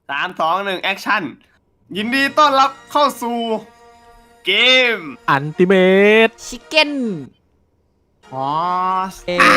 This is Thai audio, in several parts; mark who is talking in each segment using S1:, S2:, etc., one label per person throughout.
S1: 3 2 1แอคชั่นยินดีต้อนรับเข้าสู่เกม
S2: อันติเมต
S3: ชิคเก้น
S1: ฮอส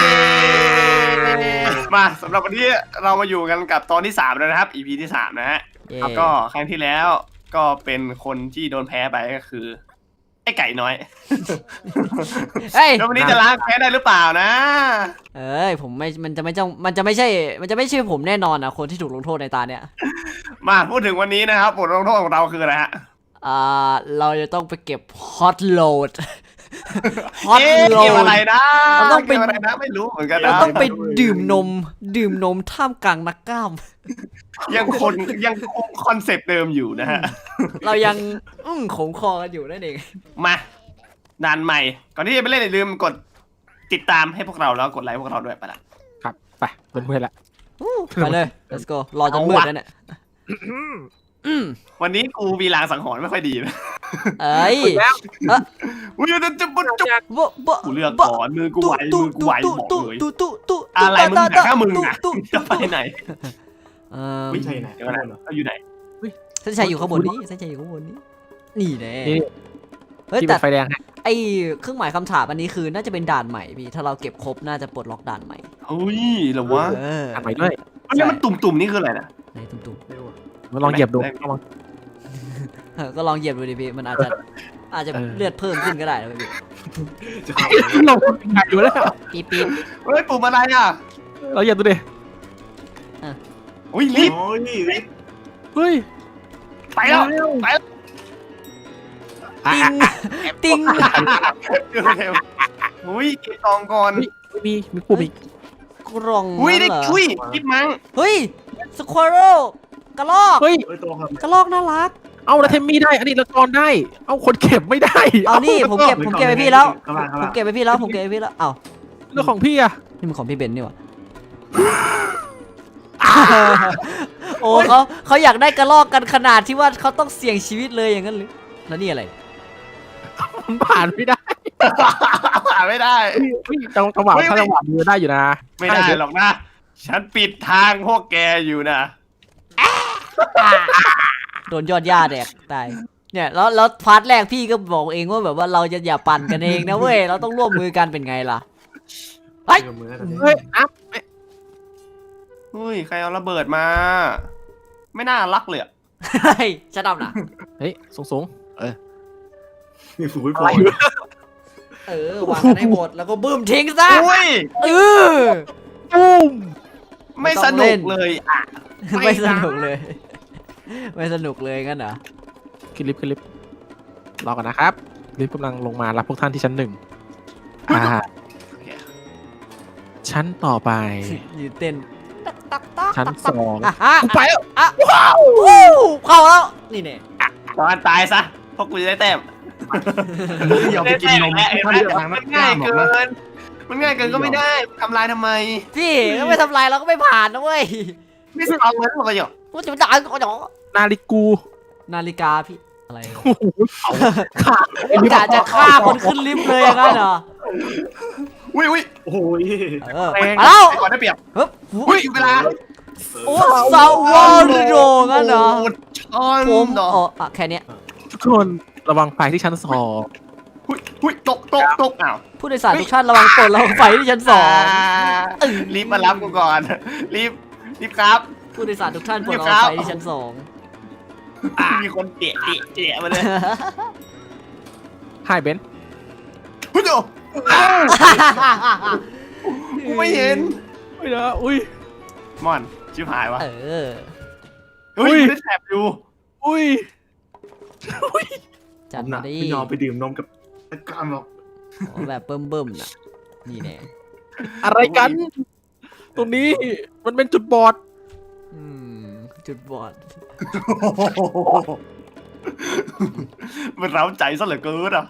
S1: มาสำหรับวันนี้เรามาอยู่กันกับตอนที่3แล้วนะครับ EP ที่3นะฮะแล้วก็ครั้งที่แล้วก็เป็นคนที่โดนแพ้ไปก็คือไอ้ไก่น้อย
S3: เฮ้ย
S1: แล้ววันนี้จะล้างแพ้ได้หรือเปล่านะ
S3: เอ้ยผมไม่มันจะไม่ใช่ผมแน่นอนนะคนที่ถูกลงโทษในตาเนี่ย
S1: มาพูดถึงวันนี้นะครับบทลงโทษของเราคืออะไรฮะ
S3: เราจะต้องไปเก็บฮอตโหลด ฮอตโหล
S1: เกม
S3: ด
S1: อะไรนะ
S3: เราต้องไป
S1: เกมอะไรนะไม่รู้เหมือนกัน
S3: เรา
S1: นะ
S3: ต้องไปดื่มนมท่ามกลางนักกล้าม
S1: ยังคงคอนเซปต์เดิมอยู่นะฮะ
S3: เรายังขมคอกันอยู่นั่นเอง
S1: มาด่านใหม่ ก่อนที่จะไปเล่นอย่าลืมกดติดตามให้พวกเราแล้วกดไลค์พวกเราด้วยไปละ
S2: ครับไปเป็นเพื่อนละ
S3: ไปเลย let's go รอจนมืดแล้วเนี่ย
S1: วันนี้กูมีลางสังหรณ์ไม่ค่อยดีนะ
S3: เอ้ย
S1: อุ้ยจะปุ๊บจุ๊บ
S3: บ่
S1: กูเลือกก่อนมือกูไหวบอกเลยอะไรมึงหามึงอ่ะจะไปไหน
S4: ไม่ใช่ไหน
S1: เดี๋ยวนะเราอยู่ไหน
S3: เส้นชัยอยู่ข้างบนนี้เส้นชัยอยู่ข้างบนนี้นี่แน่
S2: นี่
S3: เฮ้ย
S2: ที่
S3: แต่
S2: เป็นไฟแดงฮะ
S3: ไอเครื่องหมายคำถามอันนี้คือน่าจะเป็นด่านใหม่พี่ถ้าเราเก็บครบน่าจะปลดล็อกด่านใหม่
S1: เฮ้ยหรอวะ
S2: อ่านไปด้วย
S1: อันนี้มันตุ่มๆนี่คืออะไรนะ
S3: ในตุ้ม
S2: มาลองเหยียบดู
S3: ๆก็ลองเหยียบดูดิพี่มันอาจจะเลือดเพิ่มขึ้นก็ได้นะพี่
S4: จะเข้า
S2: เราหายอยู่แล้ว
S3: ปี๊บ
S1: เฮ้ยปุ่มอะไรอ่ะ
S2: เราเหยียบดูดิ
S1: อุ้ยรีบ
S4: โอ้ยนี่
S2: เฮ้ย
S1: ไปแล้วไปแล้ว
S3: ติ้ง
S1: เร็วอุ้ยเก็บกองก่อน
S2: มีปุ่มอีก
S3: กล่อง
S1: อุ้ยได้
S3: เหรอ
S1: อุ้ยคิดมั้ง
S3: เฮ้ยสควอเรลกระลอก
S2: เฮ้ย
S4: เอ้ยตัวครับ
S3: กระลอกน่ารัก
S2: เอาแล้วเทมมี่ได้อันนี้ละกรได้ เอาคนเก็บไม่ได้
S3: เอานี่ผมเก็บไปพี่แล้ว
S4: ข้างล่างข้าง
S3: ผม
S4: ล่าง
S3: เก็บไปพี่แล้วเอ้า
S2: เรื่องของพี่อะ
S3: นี่มันของพี่เบนนี่หว่าโอ้เขาอยากได้กระลอกกันขนาดที่ว่าเขาต้องเสี่ยงชีวิตเลยอย่างนั้นหรือแล้วนี่อะไร
S2: มันผ่านไม่ได้
S1: ผ่านไม่ได้
S2: เฮ้ยจังหวะถ้าจังหวะมือได้อยู่นะ
S1: ไม่ได้หรอกนะ ฉันปิดทางพวกแกอยู่นะ
S3: โดนยอดหญ้าแดกตายเนี่ยแล้วพาร์ทแรกพี่ก็บอกเองว่าแบบว่าเราจะอย่าปั่นกันเองนะเว้ยเราต้องร่วมมือกันเป็นไงล่ะ
S4: เฮ้ยมือกัน
S2: เฮ้ยอัพ
S1: เฮ้ยใครเอาระเบิดมา ไม่น่ารักเลยอะ
S3: เฮ้ยชัดดำนะ
S2: เฮ้ยสูง
S4: นี่ฝูยพอ
S3: วางกันให้หมดแล้วก็บึ้มทิ้งซะ
S1: อุ้ย
S3: เออ
S2: ปุ้ม
S1: ไม่สนุกเลยอ่ะ
S3: ไม่สนุกเลย ไม่สนุกเลยงั้นเหรอ
S2: ขึ้นลิฟต์รอกันนะครับลิฟต์กำลังลงมารับพวกท่านที่ชั้น ชั้นต่อไป
S3: ยืนเต้น
S2: ชั้น 2
S3: อ่ะ
S2: กูไปแล้ว
S3: ว้าวเข้าแล้วนี่เนี่ย
S1: ตอนตายซะพวกกูจะได้แต้ม
S4: อย่าไปกินนม
S1: ถ้าเลือกทางนั้นง่ายเกิน มันง่ายเกินก็ไม่ได้ทำลายทำไม
S3: พี่ก็ไม่ทำลายเราก็ไม่ผ่านนะเว้ย
S1: ไม่เอาเงินหรอกเหรอ
S3: ว่าจะมาด่าก็จะ
S2: นาฬิกู
S3: นาฬิกาพี่อะไร
S2: โอ้โหขาด
S3: จะฆ่าคนขึ้นลิฟต์เลยอย่างนั้นเหรอ
S1: อุ้ย
S4: โอ้ย
S3: มาแล้ว
S1: ก่อนได้เปรียบ
S3: ฮึบ
S1: อุ้ยเวลา
S3: โอ้ซาวอลโดงั้นเหรอ
S1: ช้อน
S3: ผม
S1: ดอก
S3: อ๋อแค่นี้
S2: ทุกคนระวังไฟที่ชั้น
S1: อุ้ยตกอ้าว
S3: ผู้โดยสารทุกท่านระวังปลดระวังไฟที่ชั้น 2
S1: รีบมารับกูก่อน รีบครับ
S3: ผู้โดยสารทุกท่านปลดระวังไฟที่ชั้น
S1: มีคนเตะมาเลย
S2: 2 Hi Ben
S1: พุทโธ
S3: 2
S1: กูไม่เห็น
S2: ไม่นะอุ้ย
S1: มอนชิบหายวะ
S3: เออ
S1: เฮ้ยได้แถบอยู่
S2: อุ้ย
S3: จัด
S4: หนั
S3: มาก ดิ
S4: พี่ยอมไปดื่มนมกับตะการหรอก
S3: แบบเบิ่มๆน่ะนี่แน่
S2: อะไรกัน ตรงนี้มันเป็นจุดบอด
S3: จุดบอด
S1: มันเร้าใจซะเหลือเกินอ่ะ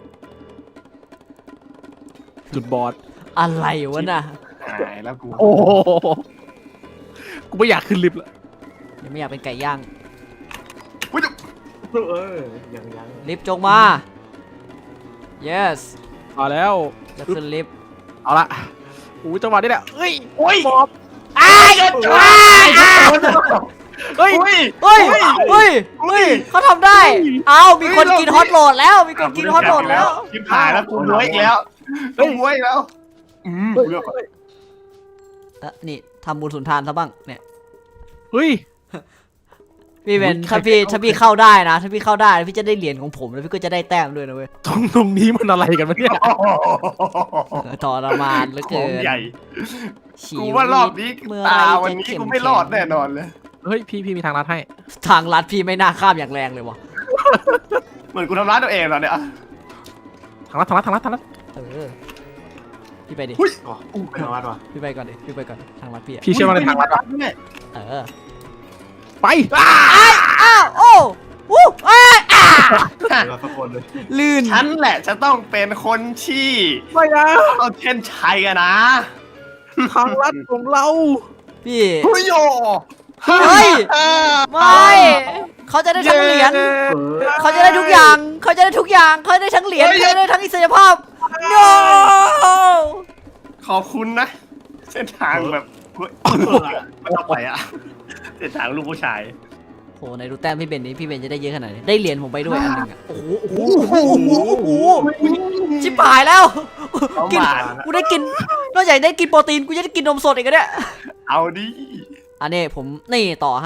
S2: จุดบอด
S3: อะไรวะน่ะ
S1: หายแล้วกู
S2: โอ้โหกูไม่อยากขึ้นลิฟต์ละ
S3: ยังไม่อยากเป็นไก่ย่าง
S1: อุ้ย
S4: ยัง
S3: ลิฟต์จงมา yes
S2: มาแล้ว
S3: จะขึ้นลิฟต์
S2: เอาละอู้จังหวะนี้แหละเอ้ย
S1: โอ้ย
S2: บอบ
S3: อ้ายอ้าย
S2: เฮ้ย
S1: อุ้ย
S3: เฮ้ยเฮ้ยเฮ้ยเขาทำได้เอามีคนกินฮอตโหลดแล้วมีคนกินฮอตโหลดแล้ว
S1: ชิบหายแล้วกูบวยอีกแล้วกูบวยอีกแล้วเลือก
S3: นี่ทำบุญสุนทานซะบ้างเนี่ย
S2: เฮ้ย
S3: พี่เป็น
S2: ใคร
S3: ถ้าพี่เข้าได้นะถ้าพี่เข้าได้พี่จะได้เหรียญของผมแล้วพี่ก็จะได้แต้มด้วยนะเว้ย
S2: ตรงนี้มันอะไรกันวะเนี่ย
S3: ทรมานเหลือ
S1: ข
S3: เกิ
S1: อง
S3: น
S1: ใหญ่
S3: ชี
S1: กู
S3: วิต
S1: ว่ารอบนี้
S3: เมื่อ
S1: ตา
S3: ไร
S1: วัน
S3: จะ
S1: นี้
S3: เข้ม
S1: กูไม่รอดแน่นอนเลย
S2: เฮ้ยพี่มีทางลัดให้
S3: ทางลัดพี่ไม่น่าข้ามอย่างแรงเลยวะ
S1: เหมือนกูทำร้ายตัวเองเหรอเนี่ย
S2: ทางลัด
S3: เออพี่ไปดิ
S4: อ๋อไม่เอาวัดว่ะ
S3: พี่ไปก่อนดิพี่ไปก่อนทางลัดพี่อะ
S2: พี่เชื่อว่าในทางลัดอะ
S1: เนี่ย
S3: เออ
S2: ไป
S3: อ้าวโอ้วู้อ้า
S4: เราสักคนเลย
S3: ลื่น
S1: ฉันแหละจะต้องเป็นคนที่
S2: ไม่นะ
S1: เอาเช่นชัยอะนะ
S2: ทางลัดของเรา
S3: พี่
S1: เฮ้ยโย
S3: เฮ้ยไม่เขาจะได้ทั้งเหรียญ เขาจะได้ทุกอย่าง เขาจะได้ทุกอย่าง เขาจะได้ทั้งเหรียญ เขาจะได้ทั้งอิสรภาพ no
S1: ขอบคุณนะ เส้นทางแบบเฮ้ยไม่ต้องไปอะเส้นทางลูกผู้ชาย
S3: โหไหนดูแต้มพี่เบนนี้พี่เบนจะได้เยอะขนาดนี้ได้เหรียญผมไปด้วยอันหนึงอ่ะโอ้โหโอ้โหโอ้โหชิบหายแล้ว
S1: เอา
S3: กิน
S1: มา
S3: กูได้กินนอกจากได้กินโปรตีนกูจะได้กินนมสดอีกอะเนี่ย
S1: เอาดิ
S3: อันนี้ผมนี่ต่อให้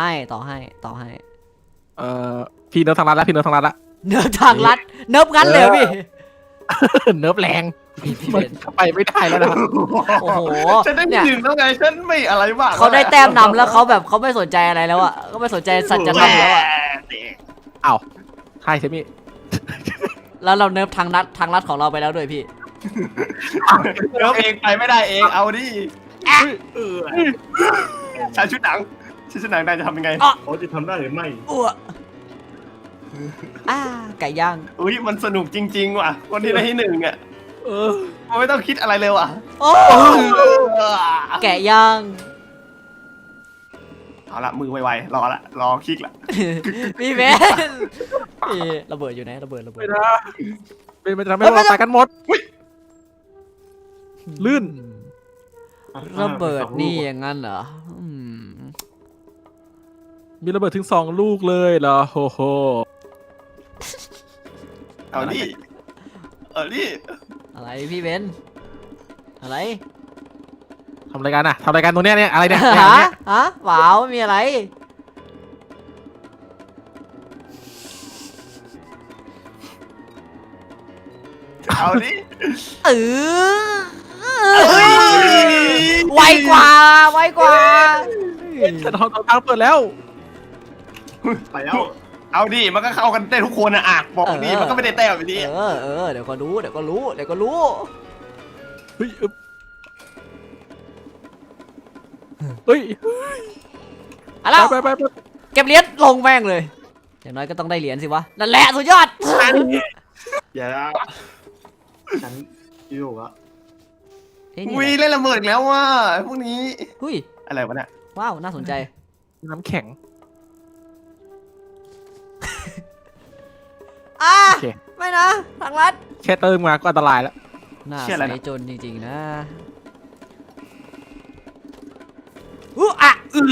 S2: พี่เนิร์ฟทางลัดแล้วพี่เนิร์ฟทางลัดละ
S3: เนิร์ฟทางลัดเนิร์ฟงั้นเลยเหรอพี่
S2: เนิร์ฟแรง
S3: พี่
S2: มัน
S3: เบน
S2: ไปไม่ได้แล้วนะ
S3: โอ้โห
S1: ฉันได้
S3: เนี่ย
S1: หนึ่งแล้วไงฉันไม่อะไรบ้าง
S3: เขาได้แต้มนำแล้วเขาแบบเขาไม่สนใจอะไรแล้วอ่ะเขาไม่สนใจสัจธรรมแล้วอ่ะ
S2: อ้าวใช่ใช่ไหม
S3: แล้วเราเนิร์ฟทางลัดของเราไปแล้วด้วยพี่
S1: เดี๋ยวเองไปไม่ได้เองเอาดิชายชุดหนังนายจะทำยังไง
S4: เขาจะทำได้หรือไม่
S3: อ้วไก่ย่าง
S1: อุ้ยมันสนุกจริงๆว่ะคนที่ได้ที่หนึ่งอ่ะ
S2: เออ
S1: มันไม่ต้องคิดอะไรเลยว่ะ
S3: โอ้แกะย่าง
S1: เอาละมือไวๆรอคลิกละ
S3: พี่เบนพี่ระเบิดอยู่ไหนระเบิด
S2: ไม่นะเป็นมันจะทำให้เราตายกันหมดลื่น
S3: ระเบิดนี่อย่างนั้นเหรออืม
S2: มีระเบิดถึง2 ลูกเลยเหรอโหโห
S1: เอาดิ
S3: อะไรพี่เบนอะไร
S2: ทำรายการอะทำรายการตรงเนี้ยเนี่ยอะไรเนี่ย
S3: ฮะเปล่าไม่มีอะไร
S1: เอาดิ
S3: เออไวกว่า
S2: ฉันทางเปิดแล้ว
S4: ไปแล้ว
S1: เอาดิมันก็เข้ากันได้ทุกคนอ่ะบอกดิมันก็ไม่ได้แต้มอยู่ดี
S3: เดี๋ยวก็รู้
S2: เฮ้ยเฮ้ย
S3: เอาแล้ว
S2: ไป
S3: เก็บเหรียญลงแม่งเลยอย่างน้อยก็ต้องได้เหรียญสิวะนั่นแหละสุดยอด
S4: อย่าฉันอยู่อะ
S1: อุ้ยเล่นระเบิดแล้วว่ะพวกนี้
S3: หุ้ย
S1: อะไรวะเนี่ย
S3: ว้าวน่าสนใจ
S2: น้ำแข็ง โอเค
S3: ไม่นะทางลัด
S2: แค่เติมมาก็อันตรายแล้ว
S3: น่าใส่จนจริงๆนะอ่ะ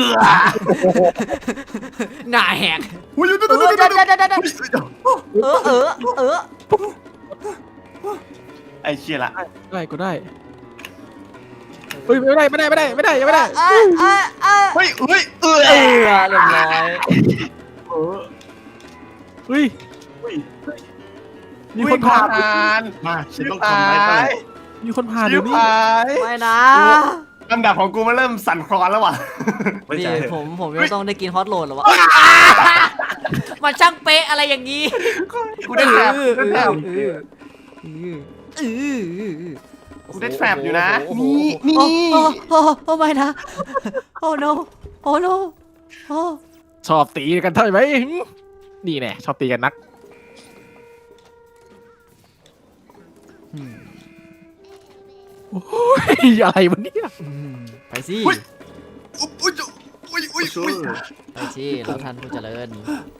S3: หน้าแหก
S1: อุ้ย
S3: เออ
S1: ไอ้เชี่ยละ
S2: ได้ก็ได้เฮ้ยไม่ได้ยังไม่ได้
S1: เฮ้ย
S3: เรียบร้อย
S2: เฮ้ย
S4: อุ้ย
S2: มีคนผ่าน
S4: มาฉันต้องทำได้ได้
S2: มีคนผ่าน
S1: ชิ
S2: เดี๋
S1: บ
S2: ยวนี้
S1: หาย
S3: ไม่นะ
S1: ลำดับของกูมันเริ่มสั่นคลอนแล้วว่ะ
S4: ไม่
S3: นี่
S4: ใช่
S3: ผมจะต้องได้กินฮอตโหลดหรอวะมันช่างเป๊ะอะไรอย่างนี้
S1: กูได้แทรปกูได้แทรปอยู่นะนี่
S3: โอ้ไม่นะโอ้ no โอ้ no โอ้
S2: ชอบตีกันใช่ไหมนี่แน่ชอบตีกันนักโอ้ยอะไรวะเนี่ย
S3: ไปสิ
S1: อุ้ย
S3: ไปสิเราท่านผู้เจริญ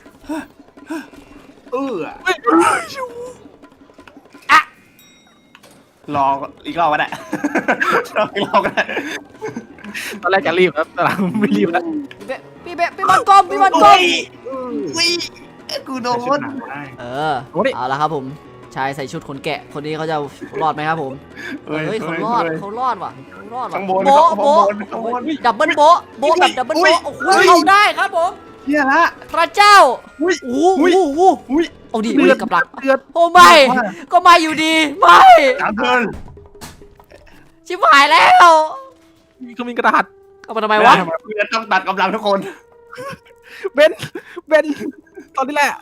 S1: รออีกรอบก็ได้รออีกรอบก็ได้
S2: ตอนแรกจะรีบครับแต่หลังไม่รีบแล้ว
S3: พี่พี่เบะพี่บอลกลมพี่บอลกลม
S1: วิกูโด
S4: ใส่ชุด
S1: น
S4: หนังได้
S3: เออเอาละครับผมชายใส่ชุดขนแกะคนนี้เขาจะรอดไหมครับผมเฮ้ยเขารอดเขารอดว่ะเขารอดว่ะ
S1: ข้างบน
S3: โบะโบะ
S1: ข้างบน
S3: ดับเบิลโบะโบะแบบดับเบิลโบะโอ้โหเอาได้ครับผม
S1: เฮียละ
S3: พระเจ้า
S1: อุ้ย
S3: โอ้โหโอ้โห
S1: อุ้ย
S3: เอาดิ
S2: เดือด
S3: กับดัก
S2: เดือด
S3: โอ้ไม่ก็ไม่อยู่ดีไม่
S1: สามเทิร์น
S3: ชิบหายแล้ว
S2: เขามีกระดาษ
S3: เอามาทำไมวะ
S1: เพื่อนต้องตัดกำลังทุกคน
S2: เบนเบนตอนนี้แหละ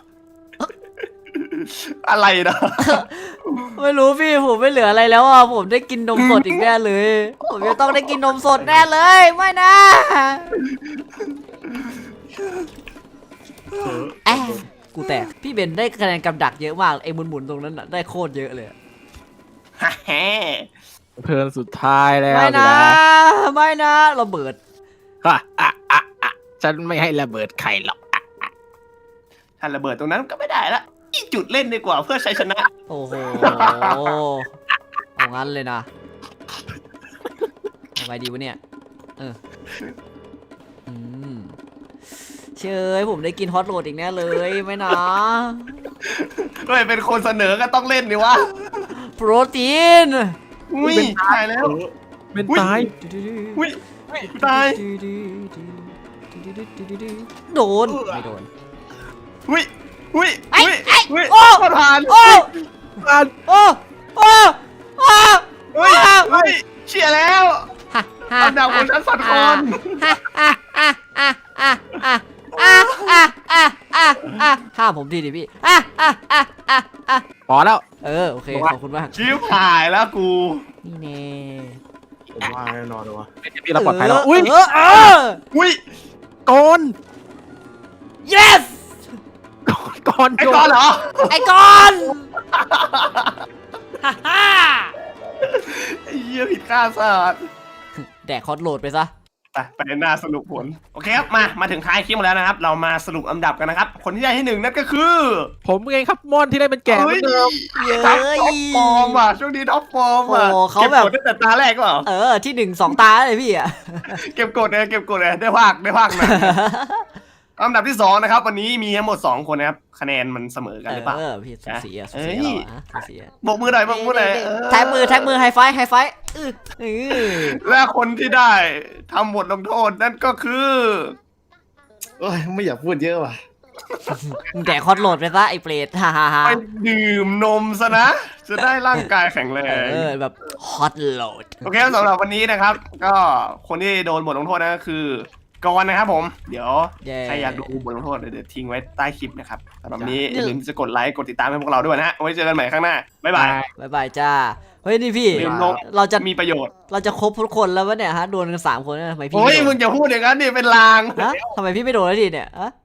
S1: อะไรนะ
S3: ไม่รู้พี่ผมไม่เหลืออะไรแล้วอ่ะผมได้กินนมสดอีกแน่เลยผมจะต้องได้กินนมสดแน่เลยไม่นะ แอะกูแตกพี่เบนได้คะแนนกำดักเยอะมากไอ้หมุนๆตรงนั้นน่ะได้โคตรเยอะเลย
S1: ฮะแฮ
S2: เทิร์นสุดท้ายแล้ว
S3: ไม่นะ
S2: สิ
S3: ไม่นะระเบิด
S2: อ่ะอ่ะอ่ะอ่ะฉันไม่ให้ระเบิดใครหรอกอ่ะ
S1: ถ้าระเบิดตรงนั้นก็ไม่ได้ละอีกจุดเล่นดีกว่าเพื่อชัยชนะ
S3: โอ้โหเอางั้นเลยนะทำไงดีวะเนี่ยอืมเชยผมได้กินฮอตโรดอีกแน่เลยไม่นะ
S1: เฮ้ยเป็นคนเสนอก็ต้องเล่นดิวะ
S3: โปรตีน
S1: อุ้ยตายแล้ว
S2: เบนตาย
S1: อุ้ยตาย
S3: โดนไม่โดน
S1: อุ้ยอุ้ย
S3: ไอ้
S1: อุ้ย
S3: ไอ้
S1: อุ้ย
S3: โอ้
S1: ประธาน
S3: โอ้
S2: อ่าน
S3: โอ้โอ้โอ้
S1: เฮ้ยเฮ้ยเชียร์แล้วอันดับของฉันฝันคน
S3: ห้ามผมทีดิพี่
S2: พอแล้ว
S3: โอเคขอบคุณมาก
S1: ชิวหายแล้วกู
S3: นี่แน่
S4: ผมว่าแน่นอนเลยวะ
S2: พี่เราปลอดภัยแล้วอุ้ย
S1: อุ้ย
S2: ก่อน
S3: yes
S2: ก่อน
S1: ไอ้ก้อนเหรอ
S3: ไอ้ก้อนฮ่าฮ่า
S1: ไอ้เหี้ยผิดคาดสัตว์
S3: แดกคอร์ดโหลดไปซะ
S1: ไปหน้าสรุปผลโอเคครับมาถึงท้ายคลิปแล้วนะครับ เรามาสรุปอันดับกันนะครับ คนที่ได้ที่หนึ่งนั่นก็คือ
S2: ผมเองครับม่อนที่ได้เป็นแก่เหมื
S1: เฮ้
S2: อย นเดิม
S3: เย้
S1: ท็อปฟอร์มอ่ะช่วงนี้ท็อปฟอร์มอ่ะ
S3: โอ้เขาแบบ
S1: เก็บกดตั้งแต่ตาแรกก็เหรอ
S3: ที่1-2 ตาเลยพี่อ่ะ
S1: เก็บกดเลยได้ภาคหน่อยอันดับที่2นะครับวันนี้มีทั้งหมด2คนนะครับคะแนนมันเสมอกันหรือเปล่า
S3: พี่สูสีอ่ะสู
S1: เอ้
S3: สี
S1: ย
S3: เราอ่ะสูสีอ่ะ
S1: บกมือหน่อย
S3: แท็กมือไฮไฟ
S1: และคนที่ได้ทำบทลงโทษนั่นก็คือ
S4: เอ้ยไม่อยากพูดเยอะว่ะ
S3: มึงแดกคอร์ดโหลดไปซะไอ้เปรตฮ่าฮ่าฮ่า
S1: ไปดื่มนมซะนะ จะได้ร่างกายแข็งแรง
S3: แบบฮอตโหลด
S1: โอเคสำหรับวันนี้นะครับ ก็คนที่โดนบทลงโทษนั่นก็คือกรนะครับผม เดี๋ยวใครอยากดูบทลงโทษเดี๋ยวทิ้งไว้ใต้คลิปนะครับสำหรับวันนี้อย่าลืมจะกดไลค์กดติดตามให้พวกเราด้วยนะฮะไว้เจอกันใหม่ข้างหน้าบ๊ายบาย
S3: บ๊ายบายจ้า เฮ้ยนี่พี่
S1: ลืมลง
S3: เราจะ
S1: มีประโยชน์
S3: เราจะครบทุกคนแล้ววะเนี่ยฮะโดนกัน3 คนทำไมพี่
S1: โอ้ย
S3: ไม่โด
S1: มึ
S3: น
S1: งจะพูดอย่างนั้นดิเป็นลาง
S3: ฮะทำไมพี่ไม่โดนแล้วทีเนี่ยฮะ